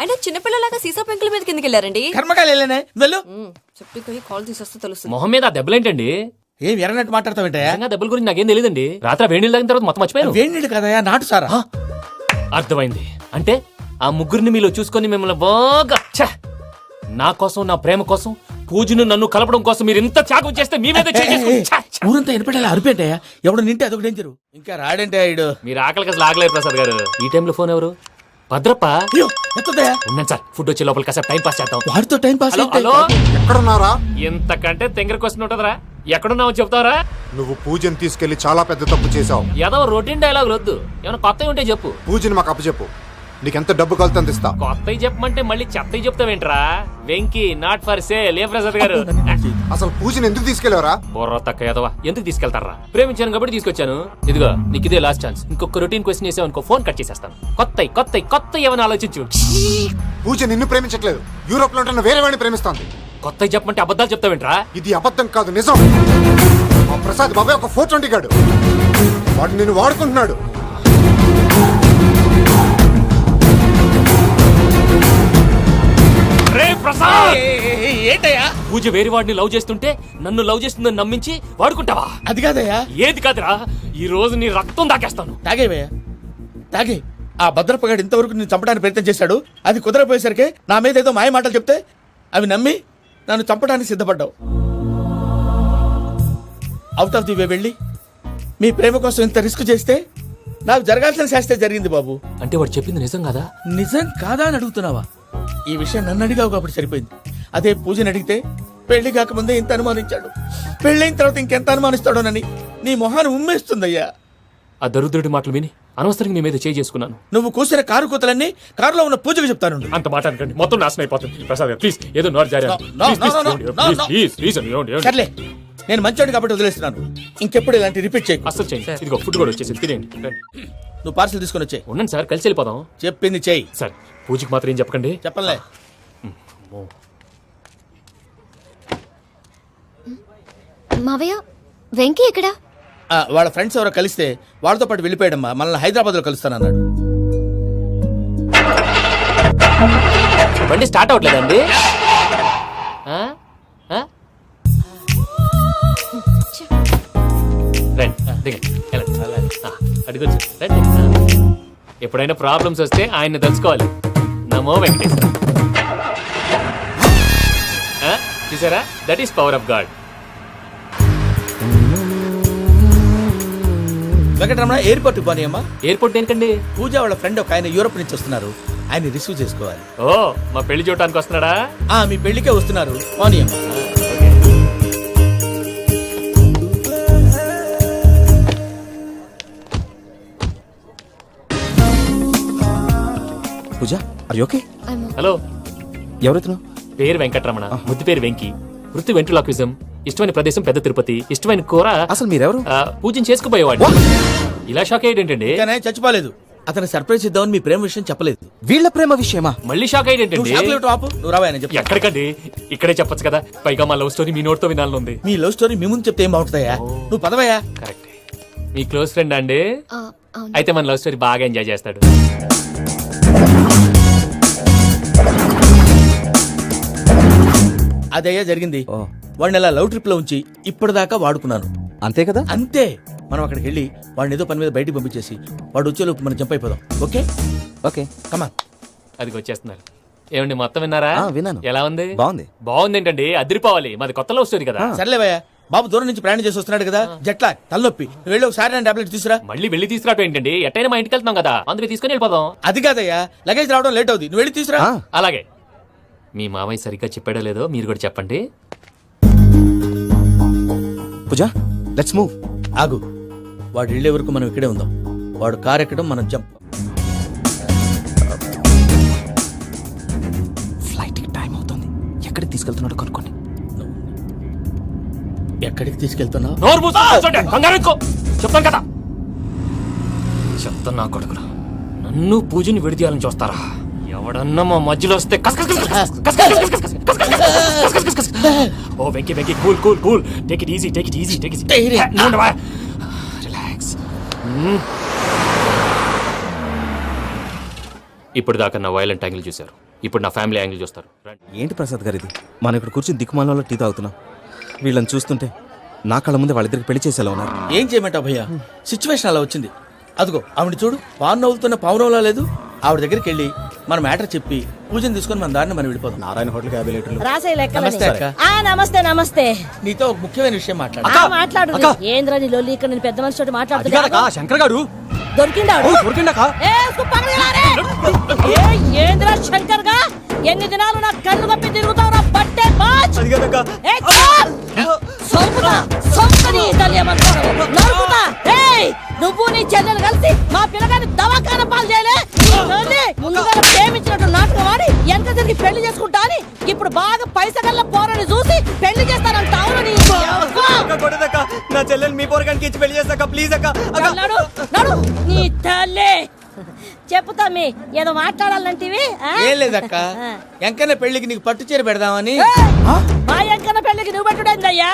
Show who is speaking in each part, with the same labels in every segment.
Speaker 1: అయినా చిన్నపిల్లలాగా సీసా పెంకుల మీద కిందకి వెళ్ళారండి.
Speaker 2: కర్మకాయలు వెళ్ళానే వెళ్ళు.
Speaker 1: చెప్పి కాల్ తీసేస్తే తెలుస్తుంది.
Speaker 3: మొహం మీద ఆ దెబ్బలేంటండి?
Speaker 2: ఏం ఎర్రనట్టు మాట్లాడతావేంటయ్యా?
Speaker 3: దెబ్బల గురించి నాకేం తెలియదండి. రాత్రి వేడి నీళ్ళు తాగిన తర్వాత మొత్తం మర్చిపోయాను.
Speaker 2: వేడి నీళ్ళు కదయా, నాటు సారా.
Speaker 3: అర్థమైంది. అంటే ఆ ముగ్గురిని మీలో చూసుకొని మిమ్మల్ని బాగా నా కోసం, నా ప్రేమ కోసం, పూజను నన్ను కలపడం కోసం మీరు ఇంత త్యాగం చేస్తే మీ మీద
Speaker 2: ఊరంతా ఎనపడేలా అరిపేంటయ్యా. ఎవడు నింటే అదొక డేంజరు. ఇంకా రాడంటే ఇడు.
Speaker 3: మీరు ఆకలికి అసలు ఆగలేరు ప్రసాద్ గారు. ఈ టైంలో ఫోన్ ఎవరు? భద్రప్ప.
Speaker 2: అయ్యో ఎత్తదయ్యా.
Speaker 3: ఉన్నాను సార్, ఫుడ్ వచ్చే లోపల కాసేపు టైం పాస్ చేద్దాం.
Speaker 2: వాడితో టైం పాస్.
Speaker 3: హలో,
Speaker 4: ఎక్కడున్నారా?
Speaker 3: ఇంతకంటే తెంగర క్వశ్చన్ ఉంటుందిరా. ఎక్కడున్నావు చెప్తావరా?
Speaker 4: నువ్వు పూజని తీసుకెళ్లి చాలా పెద్ద తప్పు చేశావు.
Speaker 3: ఏదో రొటీన్ డైలాగ్ వద్దు, ఏమైనా కొత్తవి ఉంటే చెప్పు.
Speaker 4: పూజని మాకు అప్పచెప్పు. నీకెంత డబ్బు కలితే అంత ఇస్తా.
Speaker 3: కొత్తవి చెప్పమంటే మళ్ళీ చెత్తవి చెప్తావేంట్రా? Venky not for sale. ఏ ప్రసాద్ గారు,
Speaker 4: అసలు పూజని ఎందుకు తీసుకెళ్లేవరా?
Speaker 3: బొర్ర తక్క ఏదవా, ఎందుకు తీసుకెళ్తారా? ప్రేమించాను కాబట్టి తీసుకొచ్చాను. ఇదిగో నీకు ఇదే లాస్ట్ ఛాన్స్. ఇంకొక రొటీన్ క్వశ్చన్ చేసావు అనుకో, ఫోన్ కట్ చేసేస్తాను. కొత్త ఏమైనా ఆలోచించు.
Speaker 4: పూజ నిన్ను ప్రేమించట్లేదు, యూరోప్ లో ఉంటున్న వేరే వాడిని ప్రేమిస్తాంది.
Speaker 3: కొత్తవి చెప్పమంటే అబద్ధాలు చెప్తావేంట్రా?
Speaker 4: ఇది అబద్ధం కాదు, నిజం. మా ప్రసాద్ బాబాయ్ ఒక 420 గాడు. వాడు నిన్ను వాడుకుంటున్నాడు.
Speaker 2: ఏంటయ్యా?
Speaker 3: పూజ వేరే వాడిని లవ్ చేస్తుంటే నన్ను లవ్ చేస్తుందని నమ్మించి వాడుకుంటావా?
Speaker 2: అది కాదయ్యా.
Speaker 3: ఏది కాదురా, ఈ రోజు నీ రక్తం దాకేస్తాను.
Speaker 2: తాగేవయ్యా, తాగే. ఆ భద్రపగాడు ఇంతవరకు నేను చంపడానికి ప్రయత్నం చేశాడు. అది కుదరపోయేసరికి నా మీద ఏదో మాయ మాటలు చెప్తే అవి నమ్మి నన్ను చంపడానికి సిద్ధపడ్డావు. అవుట్ ఆఫ్ ది వే వెళ్ళి మీ ప్రేమ కోసం ఇంత రిస్క్ చేస్తే నాకు జరగాల్సిన శాస్త్రే జరిగింది బాబు.
Speaker 3: అంటే వాడు చెప్పింది నిజం కదా?
Speaker 2: నిజం కాదా అని అడుగుతున్నావా? ఈ విషయం నన్ను అడిగావు కాబట్టి సరిపోయింది. అదే పూజని అడిగితే పెళ్లి కాకముందే ఇంత అనుమానించాడు, పెళ్ళైన తర్వాత ఇంకెంత అనుమానిస్తాడోనని నీ మొహాన్ని ఉమ్మేస్తుందయ్యా.
Speaker 3: ఆ దరిద్రుడి మాటలు విని అనవసరంగా మీ మీద చేసుకున్నాను.
Speaker 2: నువ్వు కూసిన కారు కూతలన్నీ కారులో ఉన్న పూజకు చెప్తాను.
Speaker 3: అంత మాట అనకండి, మొత్తం నాశనం అయిపోతుంది. ప్రసాద్ గారు ప్లీజ్, ఏదో నోరు జారీ.
Speaker 2: సర్లే, నేను మంచోడు కాబట్టి వదిలేస్తున్నాను. ఇంకెప్పుడు ఇలాంటి రిపీట్ చేయకు.
Speaker 3: అసలు చేయండి. ఇదిగో ఫుడ్ కూడా వచ్చేసి తినేయండి.
Speaker 2: నువ్వు పార్సల్ తీసుకొని వచ్చే.
Speaker 3: ఉండండి సార్, కలిసి వెళ్ళిపోదాం.
Speaker 2: చెప్పింది చెయ్యి.
Speaker 3: సార్ పూజకి మాత్రం ఏం చెప్పకండి.
Speaker 2: చెప్పలే.
Speaker 5: మావయ్య, వెంకీ ఎక్కడా?
Speaker 2: వాళ్ళ ఫ్రెండ్స్ ఎవరో కలిస్తే వాళ్ళతో పాటు వెళ్ళిపోయాడమ్మా. మనల్ని హైదరాబాద్ లో కలుస్తానన్నాడు.
Speaker 3: బండి స్టార్ట్ అవ్వట్లేదండి. అడిగొచ్చు. ఎప్పుడైనా ప్రాబ్లమ్స్ వస్తే ఆయన్ని తెలుసుకోవాలి. నమో వెంకటేశ్వర. చూసారా, that is power of God.
Speaker 2: Venkataramana, airport పోనీ అమ్మా.
Speaker 3: ఎయిర్పోర్ట్ ఏంటండి?
Speaker 2: పూజ వాళ్ళ ఫ్రెండ్ ఒక ఆయన యూరోప్ నుంచి వస్తున్నారు, ఆయన రిసీవ్ చేసుకోవాలి.
Speaker 3: ఓ, మా పెళ్లి చూడటానికి వస్తున్నాడా?
Speaker 2: మీ పెళ్లికే వస్తున్నారు, పోనీ అమ్మా.
Speaker 6: Pooja, are you okay?
Speaker 3: Hello,
Speaker 6: ఎవరైతును?
Speaker 3: పేరు వెంకటరమణ, ముద్దు పేరు వెంకీ, వృత్తి వెంట్రులాక్విజం, ఇష్టమైన ప్రదేశం పెద్ద తిరుపతి, ఇష్టమైన కూర.
Speaker 6: అసలు మీరెవరు?
Speaker 3: పూజను చేసుకుపోయేవాడు. ఇలా షాక్ అయ్యేటండి.
Speaker 2: చచ్చిపోలేదు. అతను సర్ప్రైజ్ ఇద్దామని మీ ప్రేమ విషయం చెప్పలేదు.
Speaker 6: వీళ్ళ ప్రేమ విషయమా?
Speaker 3: మళ్ళీ షాక్ అయ్యేటండి.
Speaker 2: నువ్వు రావాయని చెప్పి.
Speaker 3: ఎక్కడికండి, ఇక్కడే చెప్పొచ్చు కదా. పైగా మా లవ్ స్టోరీ మీ నోట్తో వినాలని ఉంది.
Speaker 2: మీ లవ్ స్టోరీ మీ ముందు చెప్తే ఏం బాగుంటుందయ్యా? నువ్వు పదవయ్యా.
Speaker 3: కరెక్ట్. మీ క్లోజ్ ఫ్రెండ్ అండి? అయితే మన లవ్ స్టోరీ బాగా ఎంజాయ్ చేస్తాడు.
Speaker 2: అదయ్యా జరిగింది. వాడిని అలా లవ్ ట్రిప్ లో ఉంచి ఇప్పటిదాకా వాడుకున్నాను.
Speaker 6: అంతే కదా?
Speaker 2: అంతే. మనం అక్కడికి వెళ్ళి వాడిని ఏదో పని మీద బయటికి పంపించేసి వాడు వచ్చేలోపు మనం జంప్ అయిపోదాం. Okay
Speaker 6: okay,
Speaker 2: come on.
Speaker 3: అది వచ్చేస్తున్నారు. ఏమండి, మొత్తం విన్నారా?
Speaker 6: విన్నాను.
Speaker 3: ఎలా ఉంది?
Speaker 6: బాగుంది.
Speaker 3: బాగుంది ఏంటండి, అదిరిపోవాలి. మాది కొత్త లవ్ స్టోరీ కదా.
Speaker 2: సర్లేవయ్యా, బాబు దూరం నుంచి ప్రయాణం చేసి వస్తున్నాడు కదా, జట్లా తలనొప్పి. నువ్వు వెళ్ళి ఒకసారి టాబ్లెట్ తీసుకురా.
Speaker 3: మళ్ళీ వెళ్ళి తీసుకురావటం ఏంటండి? ఎట్టైనా మా ఇంటికి వెళ్తున్నాం కదా, అందుకే తీసుకుని వెళ్ళిపోదాం.
Speaker 2: అది కాదయ్యా, లగేజ్ రావడం లేట్ అవుతుంది, నువ్వు వెళ్ళి తీసుకురా.
Speaker 3: అలాగే. మీ మామయ్య సరిగ్గా చెప్పాడో లేదో మీరు కూడా చెప్పండి.
Speaker 6: Pooja, let's move.
Speaker 2: ఆగు, వాడు వెళ్ళే వరకు మనం ఇక్కడే ఉందాం. వాడు కార్ ఎక్కడం, మనం జంప్.
Speaker 6: ఫ్లైట్ కి టైం అవుతుంది. ఎక్కడికి తీసుకెళ్తున్నాడో కనుక్కోండి.
Speaker 2: ఎక్కడికి తీసుకెళ్తున్నావు?
Speaker 3: చెప్తాను కదా. చెప్తాను నా కొడుకులు, నన్ను పూజని విడిదీయాలని చూస్తారా? ఎవడన్నా మా మధ్యలో వస్తే ఓ Venky Venky, cool cool cool, take it easy, take it easy, take it easy, relax. ఇప్పుడు దాకా నా వైలెంట్ యాంగిల్ చూశారు. ఇప్పుడు నా ఫ్యామిలీ యాంగిల్ చూస్తారు రండి.
Speaker 6: ఏంటి ప్రసాద్ గారు ఇది మనం ఇక్కడ కూర్చొని దిక్కుమాలలో టీ తాగుతున్నాం. వీళ్ళని చూస్తుంటే నా కళ్ళ ముందే వాళ్ళిద్దరికి పెళ్లి చేసేలా ఉన్నారు.
Speaker 2: ఏం చేయమంటావు భయ్యా, సిచ్యువేషన్ అలా వచ్చింది. అదిగో ఆవిడ చూడు, పావు నవ్వుతున్న పావునవ్వులా లేదు. ఆవిడ దగ్గరికి వెళ్ళి మన మ్యాటర్ చెప్పి పూజను తీసుకొని మన దారిని మనం వెళ్ళిపోతాం.
Speaker 6: నారాయణ హోటల్ 50 లీటర్లు.
Speaker 7: రాసే లెక్కలని.
Speaker 2: నమస్తే అక్క.
Speaker 7: నమస్తే నమస్తే.
Speaker 2: నీతో ఒక ముఖ్యమైన విషయం మాట్లాడు.
Speaker 7: మాట్లాడు. ఏంద్రా నీ లొల్లి, ఇక్కడ నేను పెద్ద మనిషితో మాట్లాడుతున్నా.
Speaker 6: శంకర్ గారు
Speaker 7: దొరికిందాడు.
Speaker 6: దొరికిండకా?
Speaker 7: ఏంద్రా శంకర్ గా, ఎన్ని దినాలు నా కళ్ళు కప్పి తిరుగుతావు నా బట్టే బాచ్. నువ్వు నీ చెల్లెలు కలిసి మా పిల్లగాని దవాఖాన పాలు చేయలే. ముందుగా ప్రేమించినట్టు నాటకం ఆడి ఎంత తిరిగి పెళ్లి చేసుకుంటా అని ఇప్పుడు బాగా పైసగల్ల పోరని చూసి పెళ్లి చేస్తానంట. అవును
Speaker 6: నా చెల్లెలు మీ పోరగానికి ఇచ్చి పెళ్లి చేస్తాక ప్లీజ్ అక్క.
Speaker 7: నడు నడు నీ తల్లి. చెప్పుతా మీ ఏదో మాట్లాడాలంటివి.
Speaker 2: ఏం లేదక్క, ఎంకన్న పెళ్లికి నీకు పట్టు చీర పెడదామని.
Speaker 7: మా ఎంకన్న పెళ్లికి నువ్వు పెట్టుడేందయ్యా?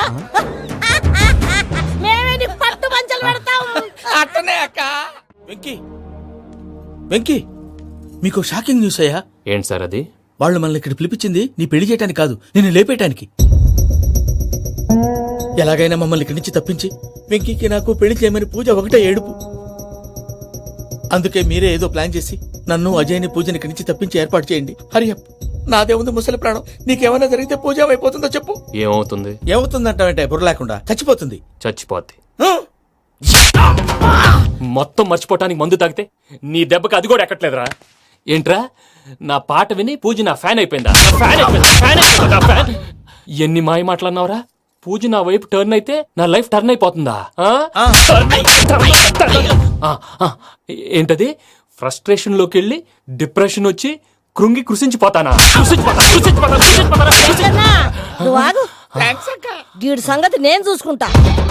Speaker 7: మేమే నీ పట్టు పంచలు పెడతాం.
Speaker 2: అట్టనే అక్క. వెంకీ వెంకీ, మీకు షాకింగ్ న్యూస్ అయ్యా.
Speaker 3: ఏంటి సార్ అది?
Speaker 2: వాళ్ళు మనల్ని ఇక్కడ పిలిపించింది నీ పెళ్లి చేయడానికి కాదు, నిన్ను లేపేయటానికి. ఎలాగైనా మమ్మల్ని ఇక్కడి నుంచి తప్పించి వెంకీకి నాకు పెళ్లి చేయమని పూజ ఒకటే ఏడుపు. అందుకే మీరే ఏదో ప్లాన్ చేసి నన్ను అజయ్ని పూజని ఇక్కడి నుంచి తప్పించి ఏర్పాటు చేయండి. హరియప్, నాదే ఉంది ముసలి ప్రాణం. నీకేమైనా జరిగితే పూజ అయిపోతుందో చెప్పు.
Speaker 3: ఏమవుతుంది?
Speaker 2: ఏమవుతుందంటావంటే బుర్ర లేకుండా చచ్చిపోతుంది.
Speaker 3: చచ్చిపోద్ది.
Speaker 2: హ?
Speaker 3: మొత్తం మర్చిపోవటానికి మందు తాగితే నీ దెబ్బకి అది కూడా ఎక్కట్లేదురా. ఏంట్రా, నా పాట విని పూజ నా ఫ్యాన్ అయిపోయిందా? ఫ్యాన్ అయిపోయిందా? ఫ్యాన్ అయిపోయిందా? నా ఫ్యాన్. ఎన్ని మాయ మాటలన్నావురా? పూజ నా వైపు టర్న్ అయితే నా లైఫ్ టర్న్ అయిపోతుందా? ఏంటది? ఫ్రస్ట్రేషన్ లోకి వెళ్ళి డిప్రెషన్ వచ్చి కృంగి కృషించిపోతానా?
Speaker 7: నువ్వు ఆగు. వీడి సంగతి నేను చూసుకుంటా.